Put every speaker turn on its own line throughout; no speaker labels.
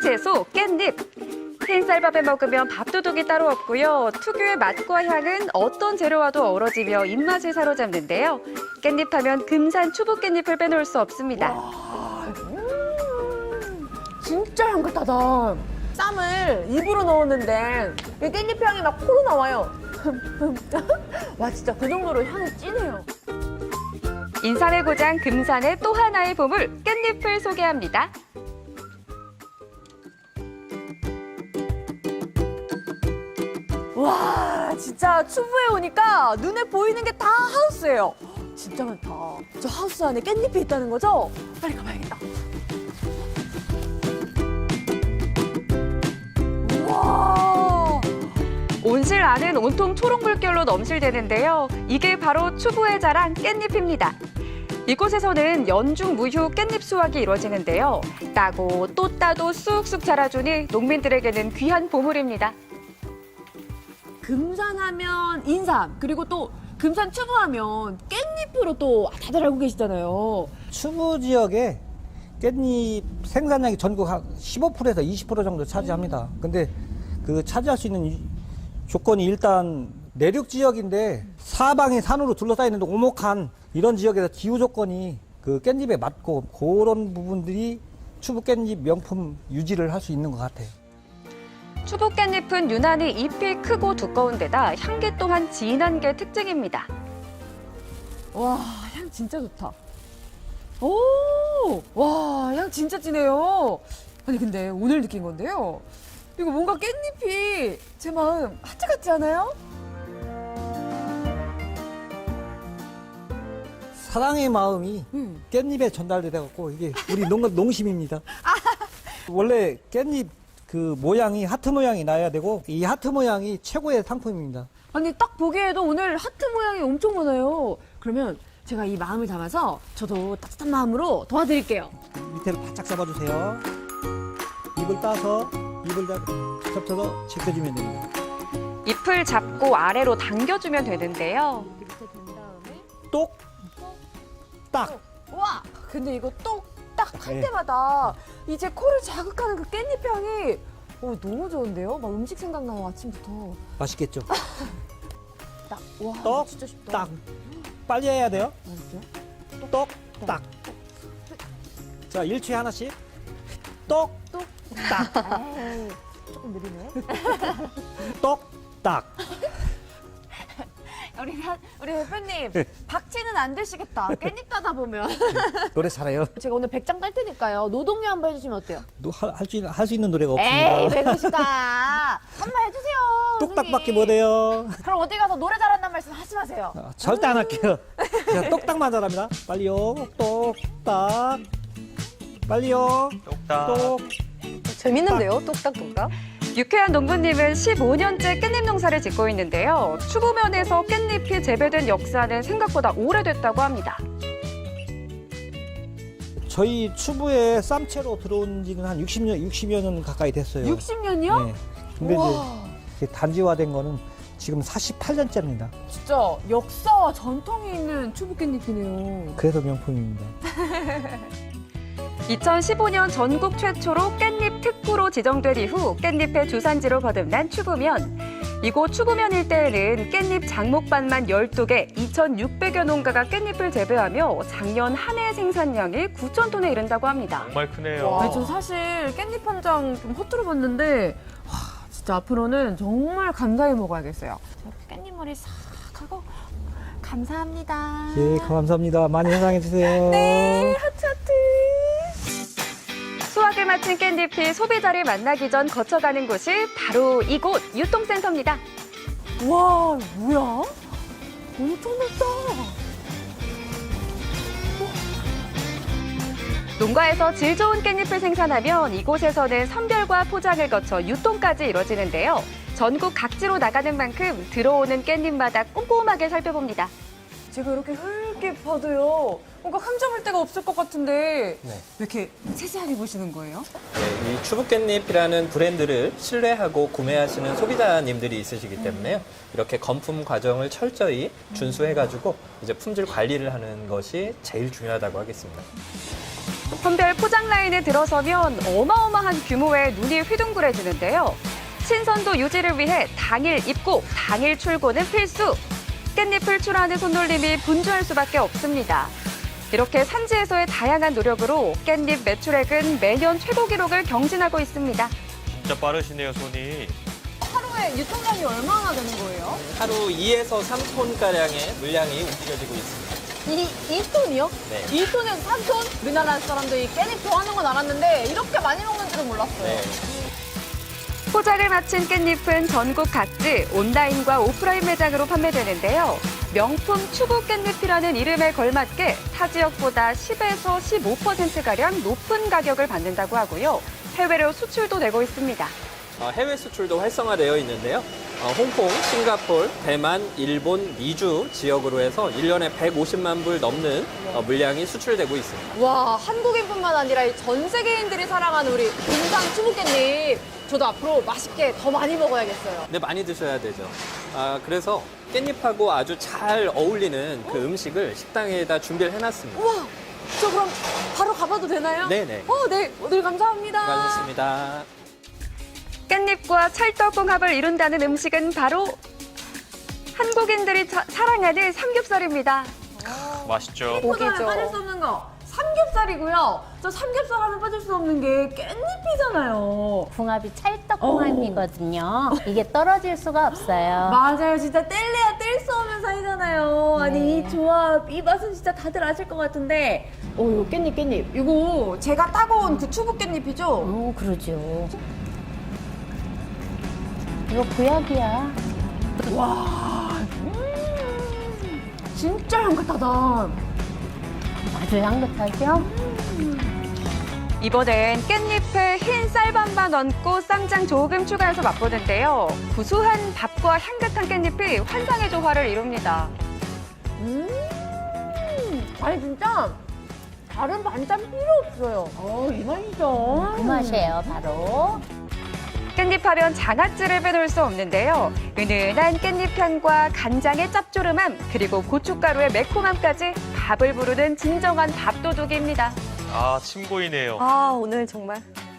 채소 깻잎. 흰쌀밥에 먹으면 밥도둑이 따로 없고요. 특유의 맛과 향은 어떤 재료와도 어우러지며 입맛을 사로잡는데요. 깻잎하면 금산 추부 깻잎을 빼놓을 수 없습니다.
진짜 향긋하다. 쌈을 입으로 넣었는데 이 깻잎 향이 막 코로 나와요. 와 진짜 그 정도로 향이 진해요.
인삼의 고장 금산의 또 하나의 보물 깻잎을 소개합니다.
와 진짜 추부에 오니까 눈에 보이는 게 다 하우스예요. 진짜 많다. 저 하우스 안에 깻잎이 있다는 거죠? 빨리 가봐야겠다. 우와.
온실 안은 온통 초록 물결로 넘실대는데요. 이게 바로 추부의 자랑 깻잎입니다. 이곳에서는 연중 무휴 깻잎 수확이 이루어지는데요. 따고 또 따도 쑥쑥 자라주니 농민들에게는 귀한 보물입니다.
금산하면 인삼, 그리고 또 금산 추부하면 깻잎으로 또 다들 알고 계시잖아요.
추부 지역에 깻잎 생산량이 전국 한 15%에서 20% 정도 차지합니다. 근데 그 차지할 수 있는 조건이 일단 내륙 지역인데 사방이 산으로 둘러싸여 있는데 오목한 이런 지역에서 기후 조건이 그 깻잎에 맞고 그런 부분들이 추부 깻잎 명품 유지를 할 수 있는 것 같아요.
추부 깻잎은 유난히 잎이 크고 두꺼운 데다 향기 또한 진한 게 특징입니다.
와, 향 진짜 좋다. 오, 와, 향 진짜 진해요. 아니, 근데 오늘 느낀 건데요. 이거 뭔가 깻잎이 제 마음 하트 같지 않아요?
사랑의 마음이 깻잎에 전달돼갖고 이게 우리 농심입니다. 원래 깻잎 그 모양이 하트 모양이 나야 되고 이 하트 모양이 최고의 상품입니다.
아니, 딱 보기에도 오늘 하트 모양이 엄청 많아요. 그러면 제가 이 마음을 담아서 저도 따뜻한 마음으로 도와드릴게요.
밑에를 바짝 잡아주세요. 입을 따서 입을 접쳐서 제껴주면 됩니다.
잎을 잡고 아래로 당겨주면 되는데요.
이렇게 된 다음에
똑, 딱.
와, 근데 이거 똑딱 할
네.
때마다 이제 코를 자극하는 그 깻잎 향이 너무 좋은데요? 막 음식 생각나요, 아침부터.
맛있겠죠?
딱, 와,
똑,
진짜 쉽다.
딱. 빨리 해야 돼요.
맛있어요?
똑, 딱. 자, 1초에 하나씩. 똑, 딱.
에이, 조금 느리네.
똑, 딱.
우리 대표님, 박치는 안 되시겠다. 깻잎 따다 보면.
노래 잘해요.
제가 오늘 100장 딸 테니까요. 노동요 한번 해주시면 어때요?
할 수 있는 노래가
에이,
없습니다.
배구시다. 한번 해주세요.
똑딱밖에
선생님.
못해요.
그럼 어디 가서 노래 잘한다는 말씀 하지 마세요.
절대 안 할게요. 제가 똑딱만 잘합니다. 빨리요. 똑딱. 빨리요. 똑딱.
재밌는데요, 똑딱똑딱?
유쾌한 농부님은 15년째 깻잎 농사를 짓고 있는데요. 추부면에서 깻잎이 재배된 역사는 생각보다 오래됐다고 합니다.
저희 추부에 쌈채로 들어온 지는 한 60여 년 가까이 됐어요.
60년이요?
네. 근데
우와.
이제 단지화된 거는 지금 48년째입니다.
진짜 역사와 전통이 있는 추부 깻잎이네요.
그래서 명품입니다.
2015년 전국 최초로 깻잎 특구로 지정된 이후 깻잎의 주산지로 거듭난 추부면. 이곳 추부면 일대에는 깻잎 장목반만 12개, 2,600여 농가가 깻잎을 재배하며 작년 한 해 생산량이 9,000톤에 이른다고 합니다.
정말 크네요.
아니, 저 사실 깻잎 한 장 좀 허투루 봤는데 와, 진짜 앞으로는 정말 감사히 먹어야겠어요. 이렇게 깻잎머리 싹 하고 감사합니다.
예, 감사합니다. 많이 사랑해주세요.
네, 하트 하트.
수확을 마친 깻잎이 소비자를 만나기 전 거쳐가는 곳이 바로 이곳 유통센터입니다.
와, 뭐야? 엄청 넓다.
농가에서 질 좋은 깻잎을 생산하면 이곳에서는 선별과 포장을 거쳐 유통까지 이뤄지는데요. 전국 각지로 나가는 만큼 들어오는 깻잎마다 꼼꼼하게 살펴봅니다.
제가 이렇게 흙게 봐도요. 뭔가 흠잡을 데가 없을 것 같은데
네.
왜 이렇게 세세하게 보시는 거예요?
네, 이 추부깻잎이라는 브랜드를 신뢰하고 구매하시는 소비자님들이 있으시기 때문에요. 이렇게 건품 과정을 철저히 준수해가지고 이제 품질 관리를 하는 것이 제일 중요하다고 하겠습니다.
선별 포장 라인에 들어서면 어마어마한 규모의 눈이 휘둥그레지는데요. 신선도 유지를 위해 당일 입고 당일 출고는 필수. 깻잎을 출하하는 손놀림이 분주할 수밖에 없습니다. 이렇게 산지에서의 다양한 노력으로 깻잎 매출액은 매년 최고 기록을 경신하고 있습니다.
진짜 빠르시네요, 손이.
하루에 유통량이 얼마나 되는 거예요?
하루 2에서 3톤가량의 물량이 움직여지고 있습니다.
2톤이요?
네.
2톤에서 3톤? 우리나라 사람들이 깻잎 좋아하는 건 알았는데 이렇게 많이 먹는 줄은 몰랐어요.
네.
포장을 마친 깻잎은 전국 각지 온라인과 오프라인 매장으로 판매되는데요. 명품 추구 깻잎이라는 이름에 걸맞게 타 지역보다 10에서 15%가량 높은 가격을 받는다고 하고요. 해외로 수출도 되고 있습니다.
해외 수출도 활성화되어 있는데요. 홍콩, 싱가포르, 대만, 일본, 미주 지역으로 해서 1년에 150만 불 넘는 물량이 수출되고 있습니다.
와, 한국인뿐만 아니라 이전 세계인들이 사랑하는 우리 군산 추묵깻잎. 저도 앞으로 맛있게 더 많이 먹어야겠어요.
근데 많이 드셔야 되죠. 그래서 깻잎하고 아주 잘 어울리는 그 음식을 식당에다 준비를 해놨습니다.
우와, 저 그럼 바로 가봐도 되나요?
네네.
네. 오늘 감사합니다.
수고하셨습니다.
깻잎과 찰떡궁합을 이룬다는 음식은 바로 한국인들이 사랑하는 삼겹살입니다.
맛있죠?
포장에 빠질 수 없는 거 삼겹살이고요. 저 삼겹살 하면 빠질 수 없는 게 깻잎이잖아요.
궁합이 찰떡궁합이거든요. 이게 떨어질 수가 없어요.
맞아요. 진짜 뗄래야 뗄 수 없는 사이잖아요. 아니, 이 조합, 이 맛은 진짜 다들 아실 것 같은데. 이거 깻잎. 이거 제가 따고 온 그 추부 깻잎이죠?
그러죠. 이거 구약이야.
진짜 향긋하다.
아주 향긋하죠?
이번엔 깻잎에 흰 쌀밥만 얹고 쌈장 조금 추가해서 맛보는데요. 구수한 밥과 향긋한 깻잎이 환상의 조화를 이룹니다.
아니, 진짜 다른 반찬 필요 없어요. 이 맛이죠.
그 맛이에요, 바로.
깻잎하면 장아찌를 빼놓을 수 없는데요. 은은한 깻잎 향과 간장의 짭조름함, 그리고 고춧가루의 매콤함까지 밥을 부르는 진정한 밥도둑입니다.
아, 침 고이네요.
아, 오늘 정말.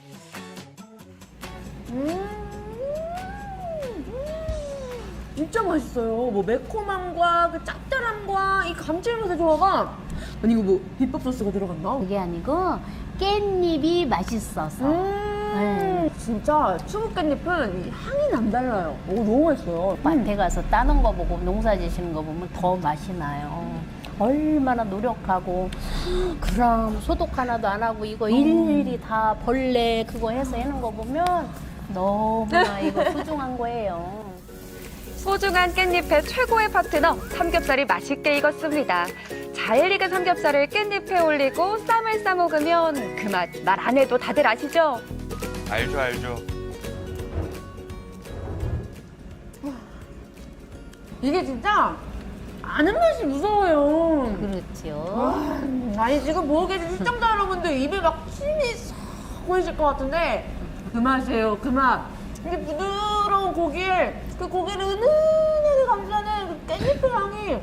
진짜 맛있어요. 뭐 매콤함과 그 짭짤함과 이 감칠맛의 조화가. 아니, 이거 뭐 비법 소스가 들어갔나?
그게 아니고 깻잎이 맛있어서.
진짜 추국 깻잎은 이 향이 남달라요. 너무 맛있어요.
밭에 가서 따는 거 보고 농사 지시는 거 보면 더 맛이 나요. 얼마나 노력하고 그럼 소독 하나도 안 하고 이거 일일이 다 벌레 그거 해서 해는 거 보면 너무나 이거 소중한 거예요.
소중한 깻잎의 최고의 파트너, 삼겹살이 맛있게 익었습니다. 잘 익은 삼겹살을 깻잎에 올리고 쌈을 싸 먹으면 그 맛 말 안 해도 다들 아시죠?
알죠.
이게 진짜 아는 맛이 무서워요.
그렇죠.
아니, 지금 보고 계신 시청자 여러분들 입에 막 침이 싹 고이실 것 같은데 그 맛이에요, 그 맛. 이게 부드러운 고기에 그 고기를 은은하게 감싸는 그 깻잎의 향이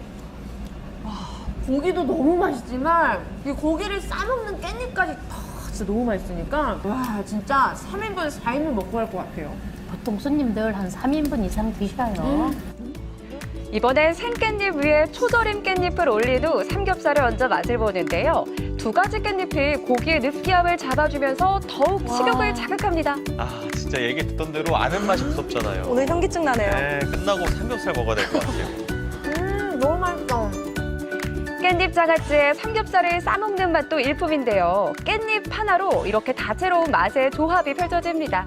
고기도 너무 맛있지만 이 고기를 싸먹는 깻잎까지 진짜 너무 맛있으니까 와, 진짜 3인분, 4인분 먹고 갈 것 같아요.
보통 손님들 한 3인분 이상 드셔요.
이번엔 생깻잎 위에 초절임 깻잎을 올린 후 삼겹살을 얹어 맛을 보는데요. 두 가지 깻잎이 고기의 느끼함을 잡아주면서 더욱 식욕을 자극합니다.
아, 진짜 얘기 듣던 대로 아는 맛이 무섭잖아요.
오늘 현기증 나네요.
네, 끝나고 삼겹살 먹어야 될 것 같아요.
너무 맛있어.
깻잎 장아찌에 삼겹살을 싸먹는 맛도 일품인데요. 깻잎 하나로 이렇게 다채로운 맛의 조합이 펼쳐집니다.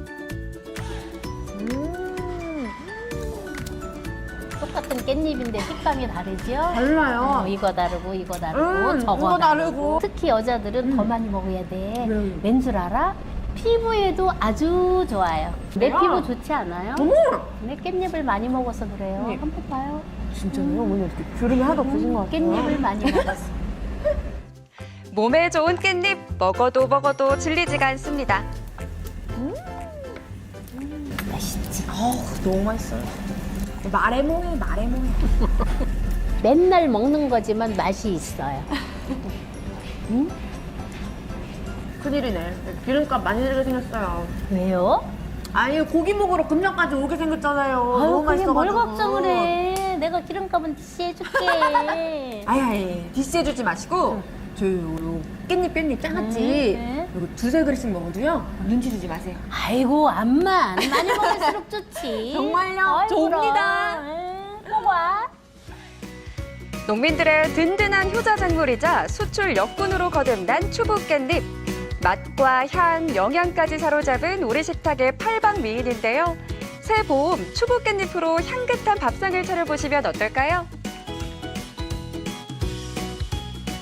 똑같은 깻잎인데 식감이 다르죠?
달라요.
이거 다르고 이거 다르고 저거
이거 다르고.
특히 여자들은 더 많이 먹어야 돼.
네.
왠 줄 알아? 피부에도 아주 좋아요. 내
그래요?
피부 좋지 않아요?
어머!
근데 깻잎을 많이 먹어서 그래요.
네.
한번 봐요.
진짜요? 어머니 어떻게 주름이 하나도 없으신 것 같아요.
깻잎을 많이 먹었어.
몸에 좋은 깻잎 먹어도 질리지가 않습니다.
맛있지?
너무 맛있어요. 말해몽해.
맨날 먹는 거지만 맛이 있어요. 응?
큰일이네. 기름값 많이 들게 생겼어요.
왜요?
아니 고기 먹으러 금년까지 오게 생겼잖아요.
아유,
너무
그게 뭘
맛있어가지고.
걱정을 해. 내가 기름값은 디시해줄게.
아이 디스해주지 마시고 저 요 깻잎 장아찌
네.
이거 2-3그릇씩 먹어도요 눈치 주지 마세요.
아이고, 암만. 많이 먹을수록 좋지.
정말요?
아이고,
좋습니다.
꼭 와.
농민들의 든든한 효자작물이자 수출 역군으로 거듭난 추부 깻잎. 맛과 향, 영양까지 사로잡은 우리 식탁의 팔방미인인데요. 새 봄 추부 깻잎으로 향긋한 밥상을 차려보시면 어떨까요?